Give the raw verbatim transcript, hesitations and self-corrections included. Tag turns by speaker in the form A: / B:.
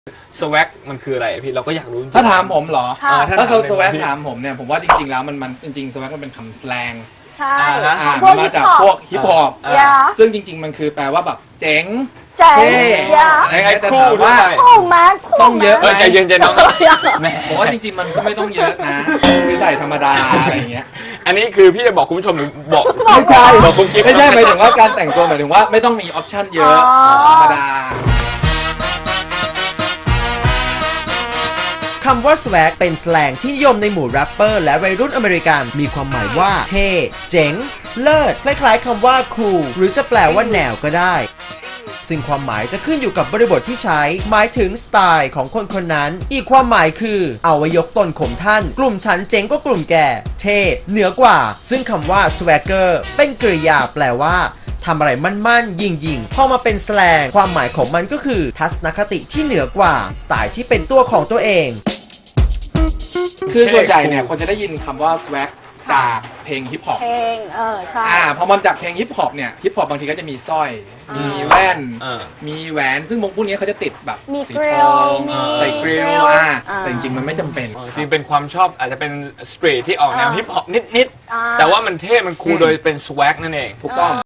A: สวักมันคืออะไรพี่เราก็อยากรู้จริงๆ
B: ถ้าถามผมเหรอ
C: ค่ะ
A: อ่
B: ถ้า
A: ถม
B: สวัก
A: พี่
B: ถามผมเนี่ยผมว่าจริงๆแล้วมันมันจริงๆสวักมันเป็นคำแสลง
C: ใช่
A: อ่าฮะ
B: อ่า
C: พว
B: มั
C: ก
B: นมา
C: ฮิป
B: จาก
C: ฮอป
B: พวกฮิปฮอป
A: อ่า
C: ยา
B: ซึ่งจริงๆมันคือแปลว่าแบบเจ๋ง
C: เจ๋ง
B: เท่
C: ยา
A: ไอ้ไอ้คู่ด้วย
C: คู่มาคู่
B: ต้องเยอะ
A: เออใจเย็นใจน้องแหม
B: ผมว่าจริงๆมันก็ไม่ต้องเยอะนะ คือใส่ธรรมดาอะไรอย่างเงี้ย
A: อันนี้คือพี่จะบอกคุณผู้ชมหรือบอก
B: ไม่ใช่
A: บอกคุณกิ๊ฟ
B: ไม่ใช่หมายถึงว่าการแต่งตัวหมายถึงว่าไม่ต้องมีออปชั่นเยอะธรรมดา
D: คำว่า swag เป็นสแลงที่นิยมในหมู่แรปเปอร์และวัยรุ่นอเมริกัน มีความหมายว่าเท่ เจ๋ง เลิศ คล้ายๆคำว่า cool หรือจะแปลว่าแนวก็ได้ ซึ่งความหมายจะขึ้นอยู่กับบริบทที่ใช้ หมายถึงสไตล์ของคนคนนั้น อีกความหมายคือ เอาไว้ยกตนข่มท่าน กลุ่มฉันเจ๋งก็กลุ่มแก่ เท่ เหนือกว่า ซึ่งคำว่า swagger เป็นกริยาแปลว่าทำอะไรมั่นๆ ยิงๆ พอมาเป็นสแลงความหมายของมันก็คือ ทัศนคติที่เหนือกว่า สไตล์ที่เป็นตัวของตัวเอง
B: คือส่วนใหญ่เนี่ยคนจะได้ยินคำว่า swag จากเพลงฮิปฮอป
C: เพลงเออใช่
B: อ่าพอมันจากเพลงฮิปฮอปเนี่ยฮิปฮอปบางทีก็จะมีสร้อย
C: อ่ามี
B: มีแว่น
A: อ่า
B: มีแหวน ซึ่งวงพวกนี้เขาจะติดแบบ
C: มี
B: สี
C: กริ
B: ท
C: ล
B: อง
C: มี
B: ใส่กริล
C: กริล
B: อ่า
C: อ่า
B: แต่จริงๆมันไม่จำเป็น
A: อ๋อจริงเป็นความชอบอาจจะเป็นสตรีทที่ออกแนว
C: อ่า
A: ฮิปฮอปนิด
C: อ่า
A: ๆแต่ว่ามันเท่มันคูล
B: อืม
A: โดยเป็นสวักนั่นเอง
B: ถูกต้อง